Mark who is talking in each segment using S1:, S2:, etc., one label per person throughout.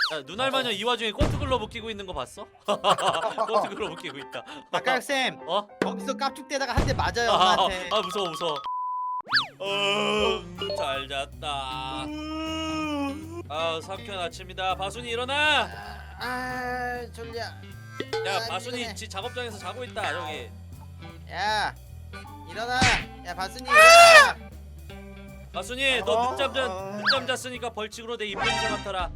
S1: 야, 눈알마녀 이 와중에 꼬트글러브 끼고 있는 거 봤어? 꼬트글러브 끼고 있다.
S2: 박가락쌤
S1: 어?
S2: 거기서 깝죽대다가 한 대 맞아요 엄마한테.
S1: 무서워 무서워. 잘 잤다. 상쾌한 아침이다. 바순이 일어나.
S2: 졸려.
S1: 야 바순이
S2: 피곤해.
S1: 지 작업장에서 자고 있다 저기.
S2: 야 일어나. 야 바순이 일어나.
S1: 바순이 너 늦잠 잤으니까 벌칙으로 내 입냄새 맡아라.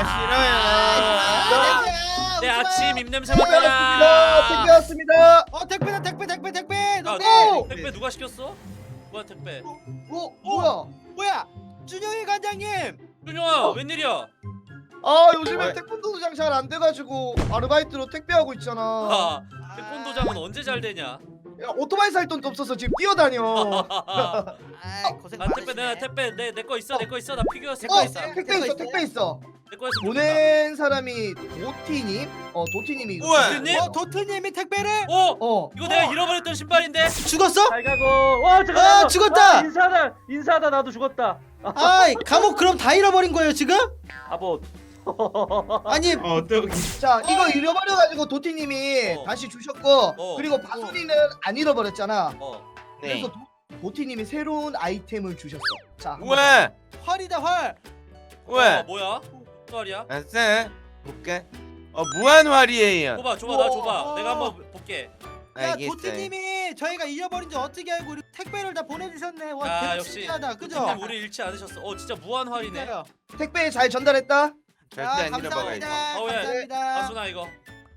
S2: 싫어요.
S1: 내 아침 입냄새 맡아라.
S3: 택배 왔습니다.
S2: 택배다 택배.
S1: 야,
S2: 너
S1: 택배 누가 시켰어? 뭐야 택배?
S3: 뭐야?
S2: 뭐야? 준영이 관장님.
S1: 준영아 웬일이야?
S3: 요즘에
S2: 왜?
S3: 태권도 도장 잘 안 돼가지고 아르바이트로 택배하고 있잖아.
S1: 태권도장은 언제 잘 되냐?
S3: 야, 오토바이 살 돈도 없어서 지금 뛰어다녀.
S2: 고생
S1: 택배
S2: 많으시네.
S1: 택배 내 거 있어 내 거 있어 나 피규어 있어
S2: 거 있어.
S3: 택배 있어.
S1: 내 거 있어
S3: 보낸 사람이 도티님. 도티님이 이거.
S4: 우와.
S1: 도티님?
S2: 도트님이 택배를
S1: 이거 내가 잃어버렸던 신발인데.
S2: 죽었어?
S5: 잘 가고. 와 잠깐만.
S2: 죽었다.
S5: 인사하다 나도 죽었다.
S2: 감옥 그럼 다 잃어버린 거예요 지금?
S5: 바보.
S2: 아니
S3: 자, 이거 잃어버려가지고 도티님이
S1: 어.
S3: 다시 주셨고,
S1: 어.
S3: 그리고 바순이는 안 잃어버렸잖아.
S4: 네.
S3: 그래서 도티님이 새로운 아이템을 주셨어. 자,
S4: 우와.
S2: 활이다 활.
S4: 우와.
S1: 뭐야? 말이야?
S4: 아싸. 볼까? 무한활이에요.
S1: 줘봐 나 줘봐.
S2: 우와.
S1: 내가 한번 볼게.
S2: 야
S4: 알겠어요.
S2: 도트님이 저희가 잃어버린 줄 어떻게 알고 우리 택배를 다 보내주셨네. 와
S1: 야,
S2: 대박
S1: 역시
S2: 신기하다. 그죠?
S1: 도티님 우리 잃지 않으셨어. 진짜 무한활이네.
S2: 진짜요.
S3: 택배 잘 전달했다.
S4: 절대 안
S2: 감사합니다.
S4: 잃어버려요.
S1: 야.
S2: 감사합니다.
S1: 바순아 이거.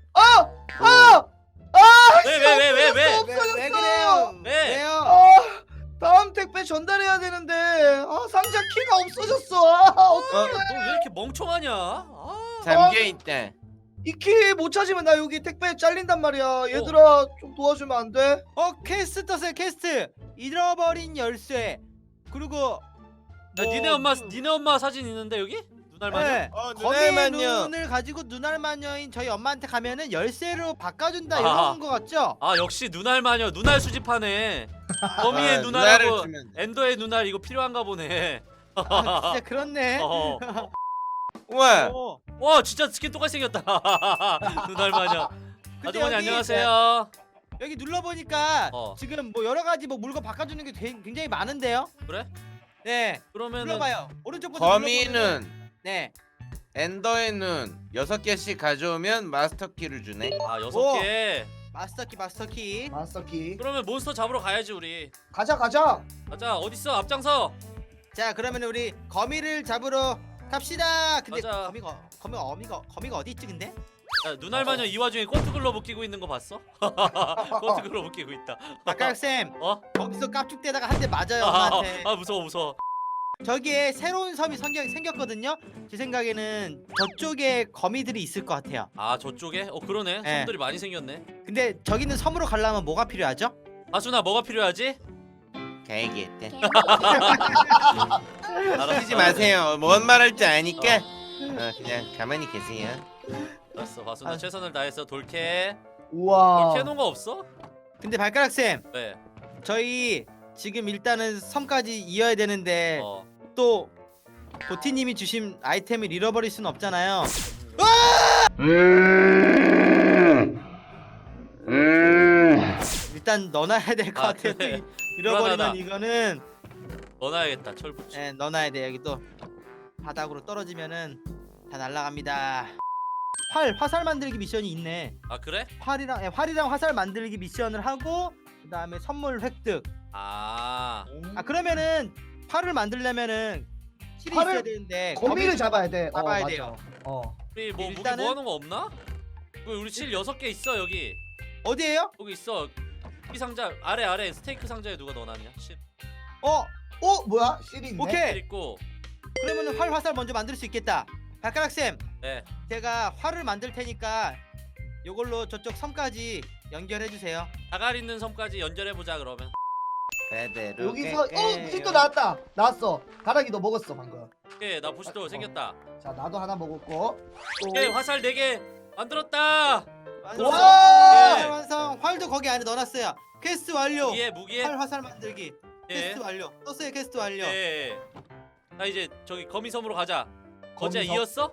S1: 왜?
S2: 왜 그래요?
S1: 왜?
S2: 왜요?
S3: 다음 택배 전달해야 되는데 상자 키가 없어졌어.
S1: 너 왜 이렇게 멍청하냐?
S4: 잠겨 있다.
S3: 이 키 못 찾으면 나 여기 택배 잘린단 말이야. 얘들아 좀 도와주면 안 돼?
S2: 퀘스트 떴어요 퀘스트. 잃어버린 열쇠. 그리고
S1: 야, 니네 엄마 사진 있는데 여기? 눈알마녀?
S2: 네.
S4: 눈알
S2: 거미의
S4: 마녀.
S2: 눈을 가지고 눈알 마녀인 저희 엄마한테 가면은 열쇠로 바꿔준다
S1: 아하.
S2: 이런 거 같죠?
S1: 역시 눈알마녀 눈알 수집하네. 거미의
S4: 눈알을
S1: 눈알하고
S4: 주면 돼.
S1: 엔더의 눈알 이거 필요한가 보네.
S2: 진짜 그렇네.
S4: 우와.
S1: 와 진짜 스킨 똑같이 생겼다. 눈알마녀.
S2: 근데
S1: 아주머니
S2: 여기
S1: 안녕하세요.
S2: 여기 눌러보니까
S1: 어.
S2: 지금 뭐 여러 가지 뭐 물건 바꿔주는 게 굉장히 많은데요?
S1: 그래?
S2: 네.
S1: 그러면은
S2: 눌러봐요. 오른쪽부터
S4: 거미는
S2: 눌러보면은- 네.
S4: 엔더의 눈 6개씩 가져오면 마스터 키를 주네.
S1: 6개.
S2: 마스터키.
S3: 마스터키.
S1: 그러면 몬스터 잡으러 가야지 우리.
S3: 가자.
S1: 가자 어딨어 앞장서.
S2: 자 그러면 우리 거미를 잡으러 갑시다. 근데
S1: 가자.
S2: 거미가 어디 있지 근데?
S1: 야, 눈알마녀 이 와중에 꼬트글러브 끼고 있는 거 봤어? 꼬트글러브 끼고 있다.
S2: 박가락쌤 거기서 깝죽대다가 한 대 맞아요 엄마한테.
S1: 무서워.
S2: 저기에 새로운 섬이 생겼거든요. 제 생각에는 저쪽에 거미들이 있을 것 같아요.
S1: 저쪽에? 그러네.
S2: 네.
S1: 섬들이 많이 생겼네.
S2: 근데 저기는 섬으로 가려면 뭐가 필요하죠?
S1: 아순아 뭐가 필요하지?
S4: 가야겠다.
S1: 알았어.
S4: 쓰지 마세요. 뭔 말할지 아니까. 그냥 가만히 계세요.
S1: 알았어 바순아 최선을 다해서 돌캐.
S3: 우와.
S1: 돌캐 놓은 거 없어?
S2: 근데 발가락쌤
S1: 네.
S2: 저희 지금 일단은 섬까지 이어야 되는데 또 도티님이 주신 아이템을 잃어버릴 수는 없잖아요. 일단 넣어놔야 될 것 같아요.
S1: 그래.
S2: 또 잃어버리면
S1: 불안하다.
S2: 이거는
S1: 넣어놔야겠다 철붙이.
S2: 넣어놔야 돼. 여기 또 바닥으로 떨어지면은 다 날아갑니다. 화살 만들기 미션이 있네.
S1: 그래?
S2: 활이랑 화살 만들기 미션을 하고 그 다음에 선물 획득. 그러면은 활을 만들려면은 실이
S3: 활을-
S2: 있어야 되는데
S3: 거미를 잡아야 돼.
S2: 잡아야
S3: 맞아.
S2: 돼요.
S1: 우리 뭐 무기
S2: 일단은-
S1: 모아놓은 거 없나? 우리 실 6개 있어 여기.
S2: 어디에요?
S1: 여기 있어. 이 상자 아래 스테이크 상자에 누가 넣어놨냐? 실
S3: 뭐야? 실이 있네.
S2: 오케이.
S1: 있고.
S2: 그러면은 활 화살 먼저 만들 수 있겠다. 발가락 쌤,
S1: 네.
S2: 제가 활을 만들 테니까 요걸로 저쪽 섬까지 연결해 주세요.
S1: 다갈 있는 섬까지 연결해 보자 그러면.
S4: 그대로
S3: 여기서
S4: 갈게요.
S3: 부식도 나왔어. 가락이 너 먹었어 방금.
S1: 오케이 나 부시도 생겼다.
S3: 자, 나도 하나 먹었고.
S1: 오케이 화살 4개 만들었다.
S2: 완성.
S3: 와!
S2: 네, 완성. 활도 거기 안에 넣어놨어요. 퀘스트 완료.
S1: 무기에.
S2: 활 화살 만들기.
S1: 예.
S2: 퀘스트 완료. 떴어요 퀘스트 완료.
S1: 예. 나 이제 저기 거미섬으로 가자. 거지야
S3: 거미섬?
S1: 이었어?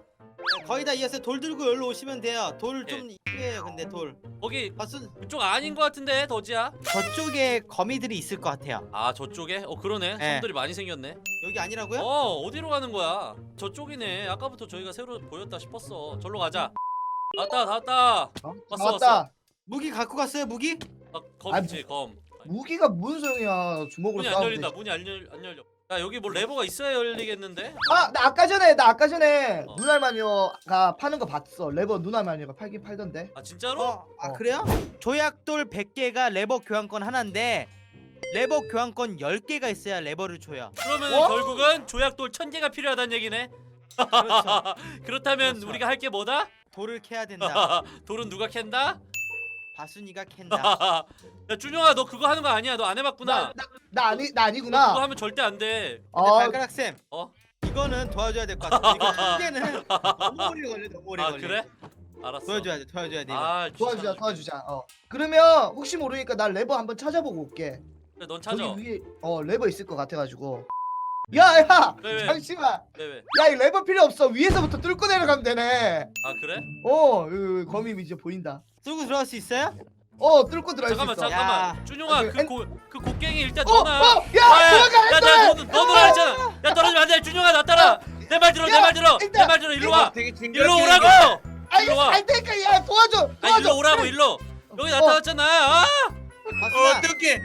S2: 거의 다 이었어요. 돌 들고 여기로 오시면 돼요. 돌 좀 이해요. 근데 돌.
S1: 거기
S2: 바순
S1: 그쪽 아닌 것 같은데 더지야?
S2: 저쪽에 거미들이 있을 것 같아요.
S1: 아 저쪽에? 그러네.
S2: 네.
S1: 섬들이 많이 생겼네.
S2: 여기 아니라고요?
S1: 어디로 가는 거야? 저쪽이네. 아까부터 저희가 새로 보였다 싶었어. 절로 가자. 왔다 왔다. 왔어
S3: 왔다.
S1: 왔어.
S2: 무기 갖고 갔어요. 무기?
S1: 검이지 검.
S3: 무기가 무슨 소용이야? 주먹으로
S1: 문이 안
S3: 싸우면
S1: 열린다.
S3: 되지.
S1: 문이 안 열려. 야 여기 뭐 레버가 있어야 열리겠는데?
S3: 나 아까 전에
S1: 어.
S3: 눈알마녀가 파는 거 봤어. 레버 눈알마녀가 팔긴 팔던데.
S1: 아 진짜로?
S2: 그래요? 조약돌 100개가 레버 교환권 하나인데 레버 교환권 10개가 있어야 레버를 줘요.
S1: 그러면
S3: 어?
S1: 결국은 조약돌 1000개가 필요하다는 얘기네.
S2: 그렇죠.
S1: 그렇다면
S2: 그렇죠.
S1: 우리가 할 게 뭐다?
S2: 돌을 캐야 된다.
S1: 돌은 누가 캔다?
S2: 바순이가 캔다.
S1: 야 준영아 너 그거 하는 거 아니야? 너 안 해봤구나.
S3: 나
S1: 너 그거
S3: 아니구나.
S1: 하면 절대 안 돼.
S2: 근데
S3: 아,
S2: 발가락 쌤.
S1: 어?
S2: 이거는 도와줘야 될 것 같아. 이거 문제는 너무 오래 걸려. 너무 오래
S1: 아
S2: 걸려.
S1: 그래? 알았어.
S2: 도와줘야 돼. 도와줘야 돼. 이거.
S1: 아
S3: 도와주자. 그러면 혹시 모르니까 나 레버 한번 찾아보고 올게.
S1: 그래, 넌 찾아.
S3: 저기 위에 레버 있을 것 같아가지고. 야,
S1: 왜?
S3: 잠시만.
S1: 왜?
S3: 야, 이 레버 필요 없어. 위에서부터 뚫고 내려가면 되네.
S1: 아 그래?
S3: 여기 거미 이제 보인다.
S2: 뚫고 들어갈 수 있어요?
S3: 뚫고 들어갈 수 있어.
S1: 잠깐만. 준영아
S3: 아,
S1: 그 곡괭이 일단
S3: 어,
S1: 넣어놔.
S3: 야, 들어가.
S1: 너 놀아 했잖아. 야 떨어지면 안 돼. 준영아 나 따라. 내 말 들어. 내 말 들어.
S3: 일단,
S1: 내 말 들어. 일로 와.
S4: 되게
S1: 일로 오라고.
S3: 아이,
S1: 일로 와.
S3: 갈 테니까 야, 도와줘.
S1: 아 일로 오라고 일로. 여기 나타났잖아. 아!
S2: 바순아.
S4: 어떻게?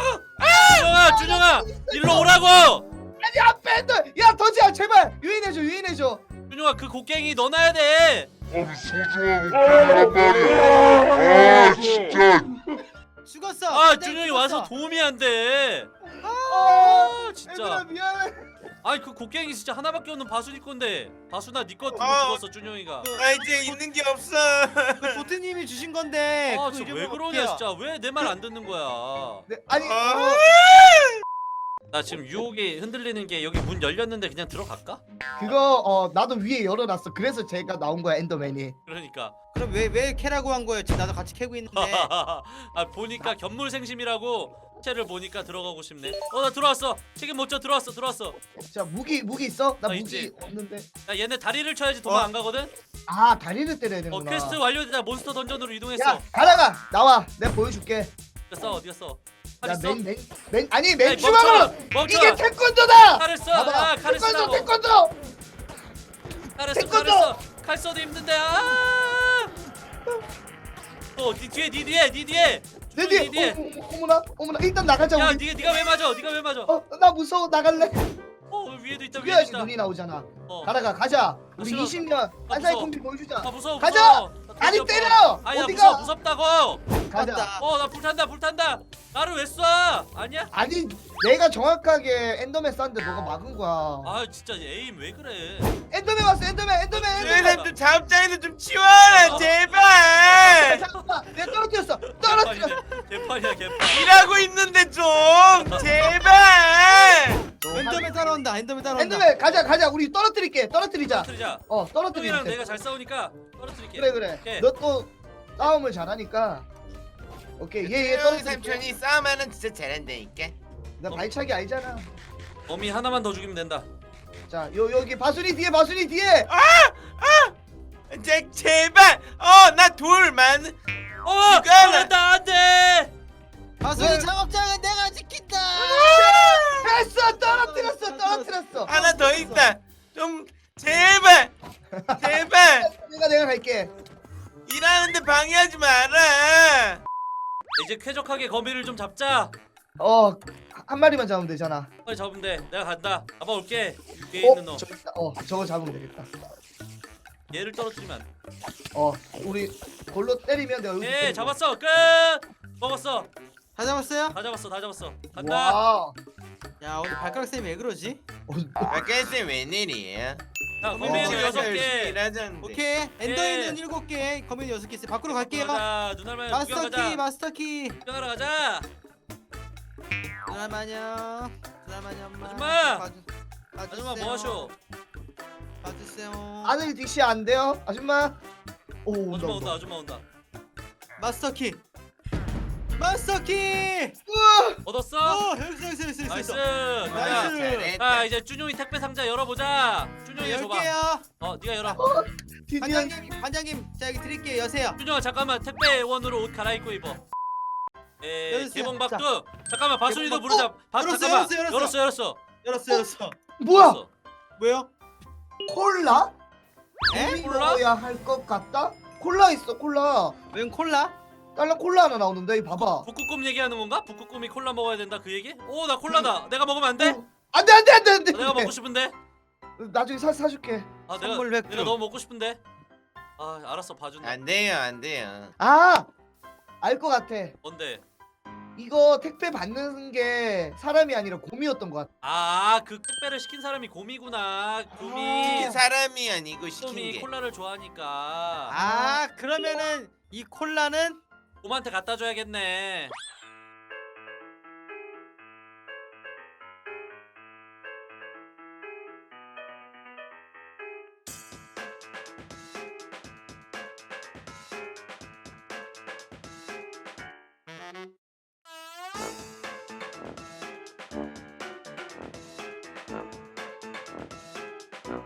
S1: 준영아 일로 오라고.
S3: 아니, 앞에 있는. 야, 더지야, 제발. 유인해줘.
S1: 준영아 그 곡괭이 넣어놔야 돼.
S2: 죽었어.
S1: 아
S2: 그냥
S1: 준영이
S2: 죽었어.
S1: 와서 도움이 안 돼.
S3: 얘들아,
S1: 진짜.
S3: 미안해.
S1: 아니 그 곡괭이 진짜 하나밖에 없는 바순이 건데. 바순아 니거 두고 죽었어 준영이가.
S4: 이제 있는 게 없어.
S2: 그 보트님이 주신 건데.
S1: 아
S2: 그거
S1: 진짜 왜
S2: 잃어버려
S1: 그러냐
S2: 어떡해요?
S1: 진짜. 왜 내 말 안 듣는 거야.
S3: 네, 아니,
S1: 나 지금 유혹이 흔들리는 게 여기 문 열렸는데 그냥 들어갈까?
S3: 그거 나도 위에 열어놨어. 그래서 제가 나온 거야, 엔더맨이.
S1: 그러니까.
S2: 그럼 왜 캐라고 한 거예요? 지금 나도 같이 캐고 있는데.
S1: 아 보니까 견물생심이라고 채를 보니까 들어가고 싶네. 나 들어왔어. 책임 못 져. 들어왔어.
S3: 자, 무기 있어? 나
S1: 아,
S3: 무기
S1: 있지.
S3: 없는데.
S1: 야 얘네 다리를 쳐야지 도망 안 가거든.
S3: 아, 다리를 때려야 되는구나.
S1: 퀘스트 완료되다 몬스터 던전으로 이동했어.
S3: 야, 가라가 나와. 내가 보여줄게.
S1: 어디가 써? 칼
S3: 야,
S1: 있어?
S3: 아니,
S1: 아니,
S3: 맨 주먹으로.
S1: 멈춰.
S3: 이게 태권도다.
S1: 칼을 써.
S3: 봐봐.
S1: 칼을 쓰라고.
S3: 태권도.
S1: 칼을
S3: 태권도!
S1: 써. 칼 써도 힘든데. 네 뒤에.
S3: 내
S1: 네
S3: 뒤에. 어머나. 일단 나가자.
S1: 야
S3: 우리.
S1: 네가 왜 맞아? 네가 왜 맞아?
S3: 나 무서워. 나갈래.
S1: 위에도 있다. 위에도
S3: 죽여야지
S1: 있다.
S3: 눈이 나오잖아.
S1: 어.
S3: 가자. 우리
S1: 싫어.
S3: 20년 안사이
S1: 무서워.
S3: 콤비 보여주자.
S1: 아 무서워.
S3: 가자!
S1: 무서워. 나
S3: 아니,
S1: 돼지
S3: 때려!
S1: 없어. 아니 나
S3: 어디가?
S1: 무섭다고.
S3: 가자.
S2: 맞다.
S1: 나 불탄다. 나를 왜 쏴? 아니야?
S3: 아니, 내가 정확하게 엔더맨 쐈는데 너가 막은 거야.
S1: 아 진짜 에임 왜 그래?
S3: 엔더맨 왔어. 엔더맨.
S4: 쟤는 좀 자업자에는 좀 치워라 제발.
S3: 잠깐만. 내가 떨어뜨렸어. 떨어뜨렸어.
S1: 개판이야.
S4: 일하고 있는데 좀 제발.
S2: 엔더맨 따라온다.
S3: 엔더맨 가자. 우리 떨어뜨리자.
S1: 떨어뜨리자.
S3: 떨어뜨리자.
S1: 형이랑 내가 잘 싸우니까 떨어뜨릴게.
S3: 그래.
S1: 오케이.
S3: 너 또 싸움을 잘하니까. 오케이. 얘
S4: 형
S3: 떨어뜨릴게.
S4: 삼촌이 싸움하는 진짜 잘한다니까.
S3: 나 발차기 알잖아.
S1: 범위 하나만 더 죽이면 된다.
S3: 자, 여기 바순이 뒤에.
S4: 제발. 나 돌만.
S1: 그런다 안돼.
S2: 바순이
S3: 왜?
S2: 작업장은 내가 지킨다.
S3: 됐어. 떨어뜨렸어.
S4: 하나 더 있다. 좀 제발.
S3: 내가 갈게.
S4: 일하는데 방해하지 마라.
S1: 이제 쾌적하게 거미를 좀 잡자.
S3: 한 마리만 잡으면 되잖아.
S1: 빨리 잡으면 돼. 내가 간다. 잡아올게. 위에 있는 너.
S3: 저기 있다. 저거 잡으면 되겠다.
S1: 얘를 떨어뜨리면 안 돼.
S3: 우리 골로 때리면 내가 여기.
S1: 예, 잡았어. 끝. 먹었어.
S2: 다 잡았어요?
S1: 다 잡았어. 간다.
S3: 와.
S2: 야 오늘 발가락 쌤이 왜 그러지?
S4: 아까쌤 웬일이에요?
S1: 자, 거미는
S2: 어,
S1: 6개.
S4: 일하자는데.
S2: 오케이. 엔더에는 7개, 거미는 6개 있어요. 밖으로 갈게요.
S1: 가자. 누나만 구경 가자.
S2: 마스터키.
S1: 구경하러 가자.
S2: 누나마녀 엄마.
S1: 아줌마!
S2: 봐주세요.
S1: 아줌마 뭐 하셔?
S2: 봐주세요.
S3: 아들 딕시 안 돼요, 아줌마? 오,
S1: 아줌마 온다.
S2: 마스터키.
S1: 얻었어?
S2: 여기서.
S1: 나이스.
S2: 나이스.
S1: 가자. 자, 이제 준용이 택배 상자 열어보자. 준용이가 줘봐.
S2: 열게요.
S1: 네가 열어.
S3: 드디어
S2: 관장님 자 여기 드릴게요. 여세요.
S1: 준영아 잠깐만 택배원으로 옷 갈아입고 입어.
S2: 열었어요.
S1: 개봉박두 잠깐만 바순이도
S2: 개봉박-
S1: 부르자.
S2: 열었어,
S1: 잠깐만
S2: 열었어.
S1: 열었어.
S2: 열었어.
S3: 뭐야?
S1: 열었어.
S2: 뭐요?
S3: 콜라?
S2: 에?
S3: 우리
S1: 콜라?
S3: 먹어야 할 것 같다? 콜라 있어 콜라.
S2: 웬 콜라?
S3: 딸랑 콜라 하나 나오는데 이 봐봐.
S1: 북극곰 얘기하는 건가? 북극곰이 콜라 먹어야 된다 그 얘기? 오 나 콜라다. 내가 먹으면 안 돼?
S3: 안돼.
S1: 내가 먹고 싶은데.
S3: 나중에 사줄게.
S1: 아 내가
S2: 선물 백두.
S1: 내가 너무 먹고 싶은데. 아 알았어 봐준다.
S4: 안 돼요, 안 돼요.
S3: 알 것 같아.
S1: 뭔데?
S3: 이거 택배 받는 게 사람이 아니라 곰이었던 것 같아.
S1: 아 그 택배를 시킨 사람이 곰이구나. 곰이
S4: 시킨 사람이 아니고 시킨
S1: 곰이
S4: 게.
S1: 콜라를 좋아하니까
S2: 아 그러면은 이 콜라는
S1: 곰한테 갖다 줘야겠네.